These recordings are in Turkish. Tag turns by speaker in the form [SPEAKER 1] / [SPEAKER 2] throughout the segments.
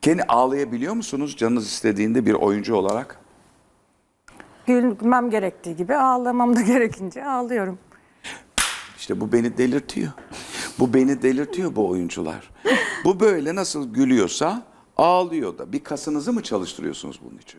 [SPEAKER 1] Kendi ağlayabiliyor musunuz canınız istediğinde bir oyuncu olarak?
[SPEAKER 2] Gülmem gerektiği gibi ağlamam da gerekince ağlıyorum.
[SPEAKER 1] İşte bu beni delirtiyor. Bu beni delirtiyor bu oyuncular. Bu böyle nasıl gülüyorsa ağlıyor da. Bir kasınızı mı çalıştırıyorsunuz bunun için?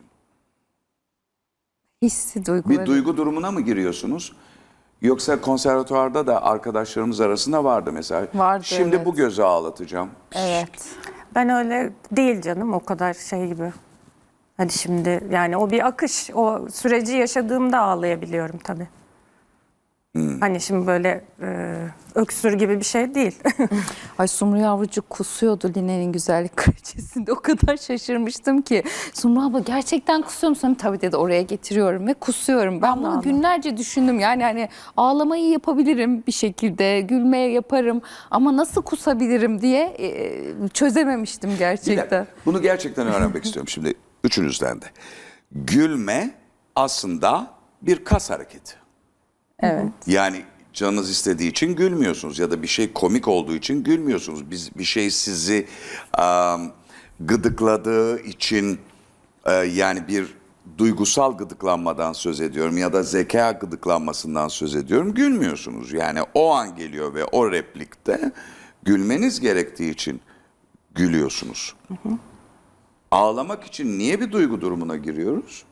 [SPEAKER 3] Hissi, duyguları.
[SPEAKER 1] Bir duygu durumuna mı giriyorsunuz? Yoksa konservatuvarda da arkadaşlarımız arasında vardı mesela.
[SPEAKER 3] Vardı,
[SPEAKER 1] Şimdi
[SPEAKER 3] evet.
[SPEAKER 1] bu gözü ağlatacağım.
[SPEAKER 3] Evet.
[SPEAKER 2] Ben öyle değil canım, o kadar şey gibi. Hadi şimdi yani o bir akış. O süreci yaşadığımda ağlayabiliyorum tabii. Hani şimdi böyle öksür gibi bir şey değil.
[SPEAKER 3] Ay Sumru yavrucuk kusuyordu Line'nin güzellik kraliçesinde. O kadar şaşırmıştım ki. Sumru abla gerçekten kusuyor musun? Tabii dedi, oraya getiriyorum ve kusuyorum. Ben bunu
[SPEAKER 2] Allah.
[SPEAKER 3] günlerce düşündüm. Yani hani ağlamayı yapabilirim bir şekilde. Gülmeye yaparım. Ama nasıl kusabilirim diye çözememiştim
[SPEAKER 1] Bir
[SPEAKER 3] gerçekten.
[SPEAKER 1] dakika, bunu gerçekten öğrenmek istiyorum şimdi üçünüzden de. Gülme aslında bir kas hareketi.
[SPEAKER 3] Evet.
[SPEAKER 1] Yani canınız istediği için gülmüyorsunuz ya da bir şey komik olduğu için gülmüyorsunuz. Bir şey sizi gıdıkladığı için yani bir duygusal gıdıklanmadan söz ediyorum ya da zeka gıdıklanmasından söz ediyorum. Gülmüyorsunuz. Yani o an geliyor ve o replikte gülmeniz gerektiği için gülüyorsunuz. Ağlamak için niye bir duygu durumuna giriyoruz?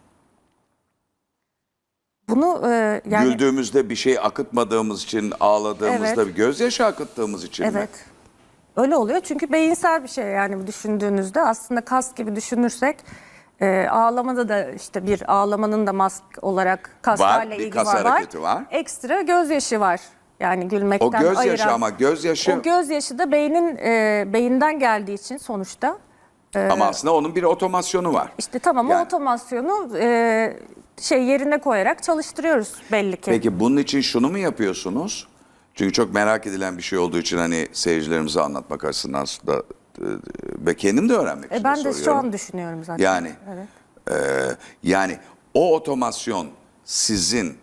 [SPEAKER 2] Bunu yani
[SPEAKER 1] Güldüğümüzde bir şey akıtmadığımız için, ağladığımızda
[SPEAKER 2] Evet.
[SPEAKER 1] bir gözyaşı akıttığımız için mi?
[SPEAKER 2] evet. Öyle oluyor çünkü beyinsel bir şey yani düşündüğünüzde aslında kas gibi düşünürsek ağlamada da işte bir ağlamanın da mask olarak kaslarla
[SPEAKER 1] bir
[SPEAKER 2] ilgili
[SPEAKER 1] kas
[SPEAKER 2] var.
[SPEAKER 1] hareketi var.
[SPEAKER 2] Ekstra gözyaşı var. Yani gülmekten
[SPEAKER 1] O gözyaşı
[SPEAKER 2] ayıran.
[SPEAKER 1] ama gözyaşı
[SPEAKER 2] O gözyaşı da beyinden geldiği için sonuçta
[SPEAKER 1] ama aslında onun bir otomasyonu var.
[SPEAKER 2] işte tamam
[SPEAKER 1] Yani-
[SPEAKER 2] o otomasyonu yerine koyarak çalıştırıyoruz belli ki.
[SPEAKER 1] Peki bunun için şunu mu yapıyorsunuz? Çünkü çok merak edilen bir şey olduğu için hani seyircilerimize anlatmak açısından da ve kendim de öğrenmek için
[SPEAKER 2] Ben
[SPEAKER 1] de
[SPEAKER 2] de
[SPEAKER 1] soruyorum.
[SPEAKER 2] şu an düşünüyorum zaten.
[SPEAKER 1] Yani
[SPEAKER 2] Evet.
[SPEAKER 1] yani o otomasyon sizin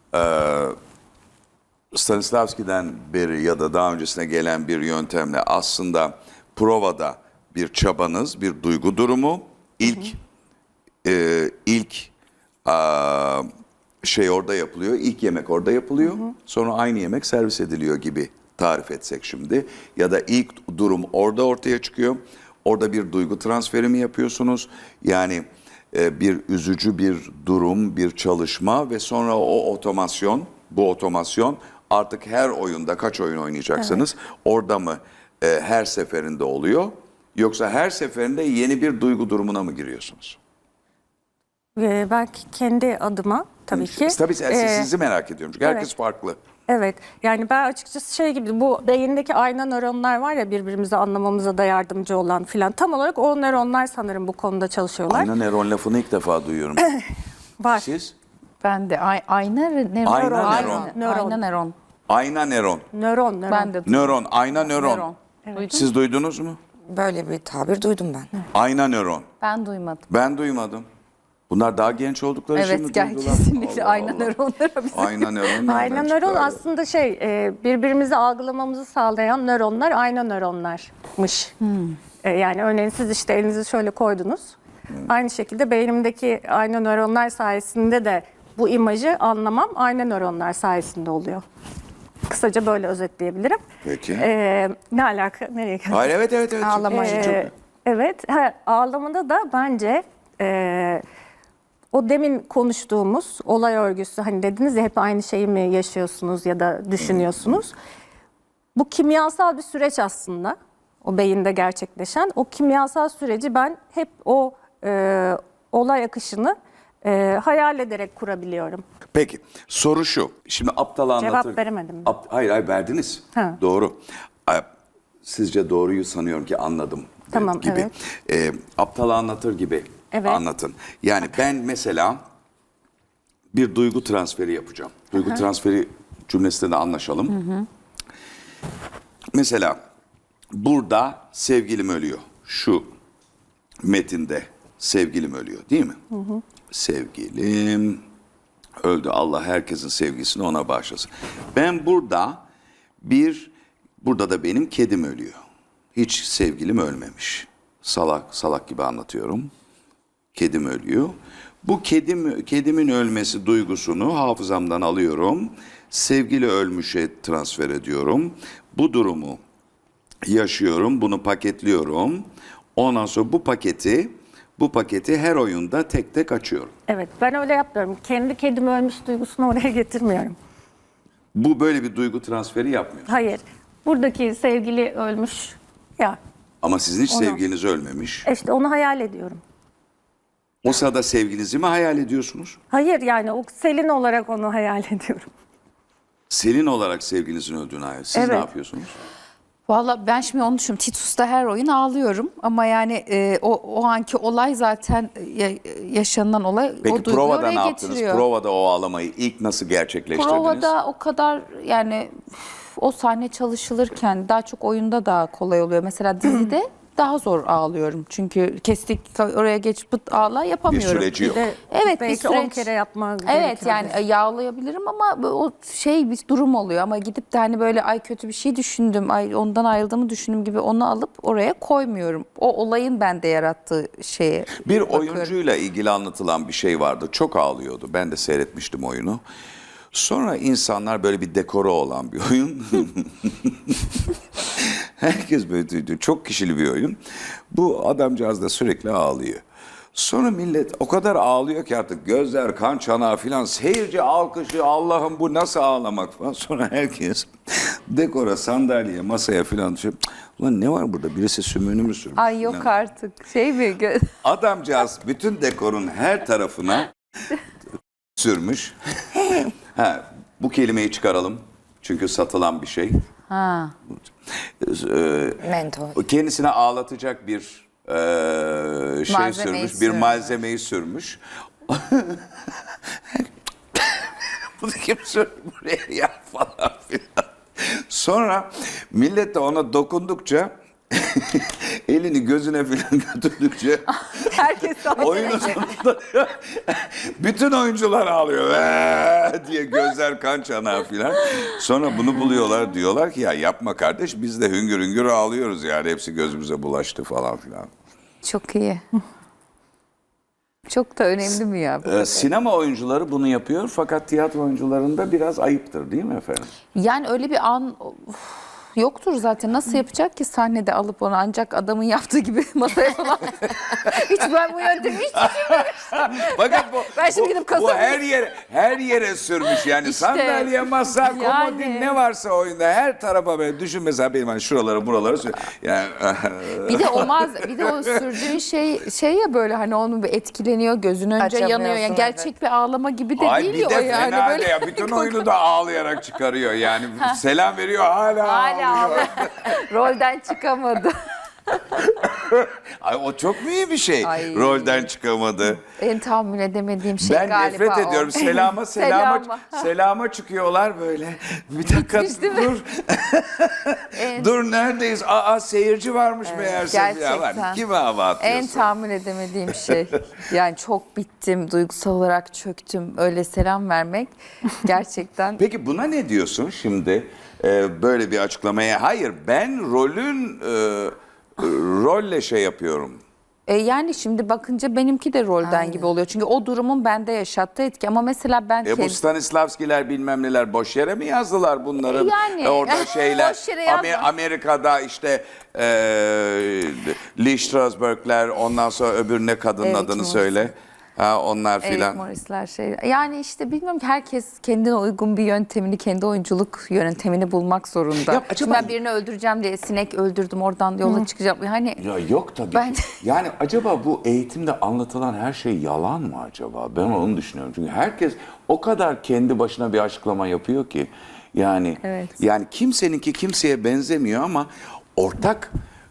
[SPEAKER 1] Stanislavski'den beri ya da daha öncesine gelen bir yöntemle aslında provada bir çabanız, bir duygu durumu, ilk şey orada yapılıyor, ilk yemek orada yapılıyor, sonra aynı yemek servis ediliyor gibi tarif etsek şimdi. Ya da ilk durum orada ortaya çıkıyor, orada bir duygu transferi mi yapıyorsunuz? Yani bir üzücü bir durum, bir çalışma ve sonra bu otomasyon artık her oyunda kaç oyun oynayacaksınız, orada mı her seferinde oluyor? Yoksa her seferinde yeni bir duygu durumuna mı giriyorsunuz?
[SPEAKER 2] Ben kendi adıma tabii ki.
[SPEAKER 1] Tabii sizi merak ediyorum çünkü herkes
[SPEAKER 2] evet.
[SPEAKER 1] farklı.
[SPEAKER 2] Evet yani ben açıkçası şey gibi bu beyindeki ayna nöronlar var ya birbirimizi anlamamıza da yardımcı olan filan. Tam olarak o nöronlar sanırım bu konuda çalışıyorlar.
[SPEAKER 1] Ayna nöron lafını ilk defa duyuyorum.
[SPEAKER 2] Var.
[SPEAKER 1] Siz?
[SPEAKER 3] Ben de ayna nöron.
[SPEAKER 1] Ayna nöron.
[SPEAKER 3] Ayna nöron.
[SPEAKER 1] Ayna nöron.
[SPEAKER 2] Nöron.
[SPEAKER 3] Ben de
[SPEAKER 1] Nöron, ayna nöron.
[SPEAKER 3] nöron. Duydun?
[SPEAKER 1] Siz duydunuz mu?
[SPEAKER 4] Böyle bir tabir duydum ben.
[SPEAKER 1] Ayna nöron.
[SPEAKER 3] Ben duymadım.
[SPEAKER 1] Ben duymadım. Bunlar daha genç oldukları için mi
[SPEAKER 3] Evet, gel
[SPEAKER 1] duydular?
[SPEAKER 3] kesinlikle
[SPEAKER 1] Allah
[SPEAKER 3] ayna
[SPEAKER 1] Allah.
[SPEAKER 3] nöronları bizim.
[SPEAKER 1] Ayna nöron.
[SPEAKER 2] Ayna
[SPEAKER 1] nereden
[SPEAKER 2] nöron
[SPEAKER 1] çıktı
[SPEAKER 2] aslında birbirimizi algılamamızı sağlayan nöronlar ayna nöronlarmış. Yani örneğin siz işte elinizi şöyle koydunuz. Aynı şekilde beynimdeki ayna nöronlar sayesinde de bu imajı anlamam ayna nöronlar sayesinde oluyor. Kısaca böyle özetleyebilirim.
[SPEAKER 1] Peki.
[SPEAKER 2] Ne alaka? Nereye geldik?
[SPEAKER 1] Hayır evet.
[SPEAKER 4] Ağlamayı.
[SPEAKER 2] Evet, ağlamada da bence o demin konuştuğumuz olay örgüsü hani dediniz ya hep aynı şeyi mi yaşıyorsunuz ya da düşünüyorsunuz. Bu kimyasal bir süreç aslında o beyinde gerçekleşen. O kimyasal süreci ben hep o olay akışını hayal ederek kurabiliyorum.
[SPEAKER 1] Peki soru şu. Şimdi aptal anlatır.
[SPEAKER 2] Cevap veremedim.
[SPEAKER 1] Hayır verdiniz.
[SPEAKER 2] Ha.
[SPEAKER 1] Doğru. Sizce doğruyu sanıyorum ki anladım.
[SPEAKER 2] Tamam,
[SPEAKER 1] gibi.
[SPEAKER 2] evet.
[SPEAKER 1] Aptal anlatır gibi
[SPEAKER 2] Evet.
[SPEAKER 1] anlatın. Yani ben mesela bir duygu transferi yapacağım. Duygu transferi cümlesinde de anlaşalım. Mesela burada sevgilim ölüyor. Şu metinde sevgilim ölüyor değil mi? Sevgilim öldü. Allah herkesin sevgisini ona bağışlasın. Ben burada da benim kedim ölüyor. Hiç sevgilim ölmemiş. salak gibi anlatıyorum. Kedim ölüyor. Bu kedimin ölmesi duygusunu hafızamdan alıyorum. Sevgili ölmüşe transfer ediyorum. Bu durumu yaşıyorum, bunu paketliyorum. Ondan sonra bu paketi her oyunda tek tek açıyorum.
[SPEAKER 2] Evet, ben öyle yapmıyorum. Kendi kedim ölmüş duygusunu oraya getirmiyorum.
[SPEAKER 1] Bu böyle bir duygu transferi yapmıyor.
[SPEAKER 2] Hayır, buradaki sevgili ölmüş ya,
[SPEAKER 1] Ama sizin hiç
[SPEAKER 2] Onu-
[SPEAKER 1] sevgiliniz ölmemiş.
[SPEAKER 2] işte onu hayal ediyorum.
[SPEAKER 1] O sırada sevgilinizi mi hayal ediyorsunuz?
[SPEAKER 2] Hayır, yani o Selin olarak onu hayal ediyorum.
[SPEAKER 1] Selin olarak sevgilinizin öldüğünü hayal. Siz ne
[SPEAKER 2] Evet.
[SPEAKER 1] yapıyorsunuz?
[SPEAKER 3] Valla ben şimdi onu düşünüyorum. Titus'ta her oyun ağlıyorum ama yani o anki olay zaten yaşanılan olay o
[SPEAKER 1] Peki
[SPEAKER 3] duyguyu
[SPEAKER 1] provada
[SPEAKER 3] oraya
[SPEAKER 1] ne yaptınız?
[SPEAKER 3] getiriyor.
[SPEAKER 1] Provada o ağlamayı ilk nasıl gerçekleştirdiniz?
[SPEAKER 3] Provada o kadar yani o sahne çalışılırken daha çok oyunda daha kolay oluyor. Mesela dizide daha zor ağlıyorum. Çünkü kestik oraya geç pıt ağla
[SPEAKER 1] Bir
[SPEAKER 3] yapamıyorum.
[SPEAKER 1] süreci yok.
[SPEAKER 3] Evet, bir
[SPEAKER 2] Belki 10
[SPEAKER 3] süreç.
[SPEAKER 2] kere yapmak
[SPEAKER 3] Evet
[SPEAKER 2] gerekiyordur.
[SPEAKER 3] yani yağlayabilirim ama o bir durum oluyor ama gidip de hani böyle ay kötü bir şey düşündüm, ay ondan ayrıldığımı düşündüm gibi onu alıp oraya koymuyorum. O olayın bende yarattığı şeye
[SPEAKER 1] Bir
[SPEAKER 3] bakıyorum.
[SPEAKER 1] oyuncuyla ilgili anlatılan bir şey vardı. Çok ağlıyordu. Ben de seyretmiştim oyunu. Sonra insanlar böyle bir dekoru olan bir oyun. Herkes böyle duydu. Çok kişili bir oyun. Bu adamcağız da sürekli ağlıyor. Sonra millet o kadar ağlıyor ki artık gözler kan çanağı filan, seyirci alkışı, Allah'ım bu nasıl ağlamak falan. Sonra herkes dekora, sandalyeye, masaya filan düşüp ulan ne var burada, birisi sümüğünü mü sürmüş?
[SPEAKER 3] Ay yok
[SPEAKER 1] filan.
[SPEAKER 3] artık
[SPEAKER 1] Adamcağız bütün dekorun her tarafına sürmüş. Ha, bu kelimeyi çıkaralım. Çünkü satılan bir şey.
[SPEAKER 3] Ha.
[SPEAKER 4] Mentor.
[SPEAKER 1] Kendisine ağlatacak bir şey
[SPEAKER 3] Malzemeyi
[SPEAKER 1] sürmüş, bir
[SPEAKER 3] sürmüş.
[SPEAKER 1] malzemeyi sürmüş. Bunu kim sürdü buraya ya falan filan. Sonra millet de ona dokundukça elini gözüne filan götürdükçe
[SPEAKER 3] Herkes
[SPEAKER 1] oyunun sonunda bütün oyuncular ağlıyor diye, gözler kan çanağı filan. Sonra bunu buluyorlar, diyorlar ki ya yapma kardeş, biz de hüngür hüngür ağlıyoruz yani, hepsi gözümüze bulaştı falan filan.
[SPEAKER 3] Çok iyi. Çok da önemli mi ya?
[SPEAKER 1] Sinema oyuncuları bunu yapıyor fakat tiyatro oyuncularında biraz ayıptır değil mi efendim?
[SPEAKER 3] Yani öyle bir an yoktur zaten. Nasıl yapacak ki sahnede alıp onu, ancak adamın yaptığı gibi masaya falan. Hiç ben bu yöntemi hiç
[SPEAKER 1] Fakat bu,
[SPEAKER 3] Ben şimdi gidip
[SPEAKER 1] bu
[SPEAKER 3] kasabı-
[SPEAKER 1] her yere sürmüş yani,
[SPEAKER 3] İşte,
[SPEAKER 1] sandalye, masa, komodin
[SPEAKER 3] yani.
[SPEAKER 1] ne varsa oyunda her tarafa böyle düşün, mesela benim hani şuraları buraları yani
[SPEAKER 3] bir de bir de o sürdüğün şey ya böyle hani onun bir etkileniyor, gözün önce
[SPEAKER 4] Açamıyorsun,
[SPEAKER 3] yanıyor. Yani gerçek
[SPEAKER 4] evet.
[SPEAKER 3] bir ağlama gibi de
[SPEAKER 1] Ay
[SPEAKER 3] değil
[SPEAKER 1] bir
[SPEAKER 3] ya
[SPEAKER 1] de
[SPEAKER 3] o yani.
[SPEAKER 1] fena
[SPEAKER 3] Böyle
[SPEAKER 1] de ya, bütün oyunu da ağlayarak çıkarıyor yani, selam veriyor hala
[SPEAKER 3] hala
[SPEAKER 1] ağlıyor.
[SPEAKER 3] rolden çıkamadı.
[SPEAKER 1] Ay o çok mu iyi bir şey,
[SPEAKER 3] Ay.
[SPEAKER 1] rolden çıkamadı.
[SPEAKER 3] En tahammül edemediğim şey
[SPEAKER 1] Ben
[SPEAKER 3] galiba
[SPEAKER 1] nefret
[SPEAKER 3] o.
[SPEAKER 1] ediyorum. Selama çıkıyorlar böyle. Bir dakika dur. Dur neredeyiz? Aa seyirci varmış meğerse. Ya var.
[SPEAKER 3] Gerçekten.
[SPEAKER 1] Kime hava
[SPEAKER 3] En
[SPEAKER 1] atıyorsun?
[SPEAKER 3] tahammül edemediğim şey. Yani çok bittim, duygusal olarak çöktüm. Öyle selam vermek gerçekten.
[SPEAKER 1] Peki buna ne diyorsun şimdi? Böyle bir açıklamaya. Hayır, ben rolle şey yapıyorum.
[SPEAKER 3] Yani şimdi bakınca benimki de rolden gibi oluyor. Çünkü o durumun bende yaşattığı etki. Ama mesela ben
[SPEAKER 1] Bu Stanislavskiler bilmem neler boş yere mi yazdılar bunları?
[SPEAKER 3] Yani.
[SPEAKER 1] Orada şeyler,
[SPEAKER 3] Boş yere yazma.
[SPEAKER 1] Amerika'da işte Lee Strasberg'ler, ondan sonra öbür ne kadının
[SPEAKER 3] Eric
[SPEAKER 1] adını
[SPEAKER 3] Morris.
[SPEAKER 1] söyle. Ha, onlar
[SPEAKER 3] Eric
[SPEAKER 1] filan.
[SPEAKER 3] Morris'ler şey. Yani işte bilmiyorum ki herkes kendine uygun bir yöntemini, kendi oyunculuk yöntemini bulmak zorunda.
[SPEAKER 1] Ya acaba-
[SPEAKER 3] Şimdi ben birini öldüreceğim diye sinek öldürdüm, oradan yola çıkacağım. Hani
[SPEAKER 1] Ya yok tabii.
[SPEAKER 3] Ben-
[SPEAKER 1] Yani acaba bu eğitimde anlatılan her şey yalan mı acaba? Ben onu düşünüyorum. Çünkü herkes o kadar kendi başına bir açıklama yapıyor ki. Yani
[SPEAKER 3] Evet.
[SPEAKER 1] yani kimseninki kimseye benzemiyor ama ortak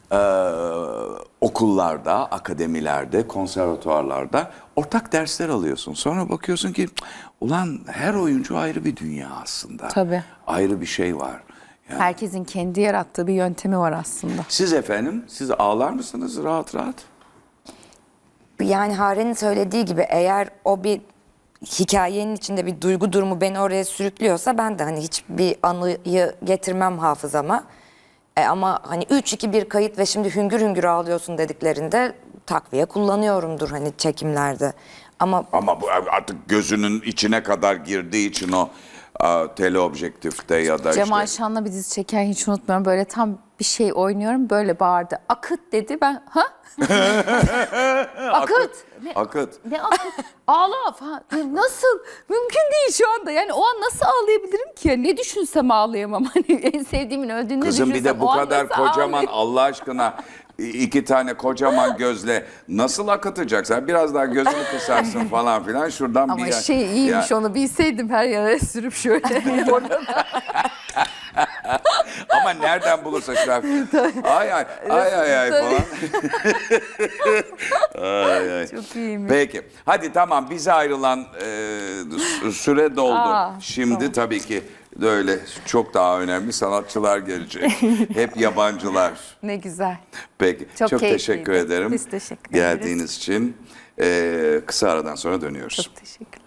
[SPEAKER 1] okullarda, akademilerde, konservatuvarlarda ortak dersler alıyorsun. Sonra bakıyorsun ki ulan her oyuncu ayrı bir dünya aslında.
[SPEAKER 3] Tabii.
[SPEAKER 1] Ayrı bir şey var. Yani
[SPEAKER 3] herkesin kendi yarattığı bir yöntemi var aslında.
[SPEAKER 1] siz efendim, siz ağlar mısınız rahat rahat?
[SPEAKER 4] Yani Hare'nin söylediği gibi eğer o bir hikayenin içinde bir duygu durumu beni oraya sürüklüyorsa ben de hani hiçbir anıyı getirmem hafızama. Ama hani 3-2-1 kayıt ve şimdi hüngür hüngür ağlıyorsun dediklerinde takviye kullanıyorumdur hani çekimlerde. Ama
[SPEAKER 1] Ama bu artık gözünün içine kadar girdiği için o teleobjektifte ya da
[SPEAKER 3] Cemal
[SPEAKER 1] işte
[SPEAKER 3] Şan'la bir dizi çeken hiç unutmuyorum. Böyle tam bir şey oynuyorum. Böyle bağırdı. Akıt dedi. Ben ha? Akıt. Ne,
[SPEAKER 1] akıt.
[SPEAKER 3] ne akıt? Ağla falan. Nasıl? Mümkün değil şu anda. Yani o an nasıl ağlayabilirim ki? Ne düşünsem ağlayamam. Hani en sevdiğimin öldüğünü
[SPEAKER 1] Kızım bir
[SPEAKER 3] düşünsem
[SPEAKER 1] de bu
[SPEAKER 3] o an
[SPEAKER 1] kadar
[SPEAKER 3] nasıl
[SPEAKER 1] kocaman
[SPEAKER 3] ağlayayım?
[SPEAKER 1] Allah aşkına 2 tane kocaman gözle nasıl akıtacaksın? Biraz daha gözünü kısarsın falan filan şuradan
[SPEAKER 3] Ama
[SPEAKER 1] bir
[SPEAKER 3] şey iyiymiş
[SPEAKER 1] Ya-
[SPEAKER 3] onu bilseydim her yere sürüp şöyle.
[SPEAKER 1] Ama nereden bulursa şu an ay ay ay ay ay
[SPEAKER 3] Tabii.
[SPEAKER 1] falan. Ay, ay.
[SPEAKER 3] Çok iyiymiş.
[SPEAKER 1] Peki. Hadi tamam bize ayrılan süre doldu.
[SPEAKER 3] Aa,
[SPEAKER 1] Şimdi tabii ki de öyle çok daha önemli sanatçılar gelecek. Hep yabancılar.
[SPEAKER 3] Ne güzel.
[SPEAKER 1] Peki.
[SPEAKER 3] Çok
[SPEAKER 1] Çok
[SPEAKER 3] keyifliydi.
[SPEAKER 1] teşekkür ederim.
[SPEAKER 2] Biz teşekkür ederiz.
[SPEAKER 1] Geldiğiniz için. Kısa aradan sonra dönüyoruz.
[SPEAKER 2] Çok teşekkür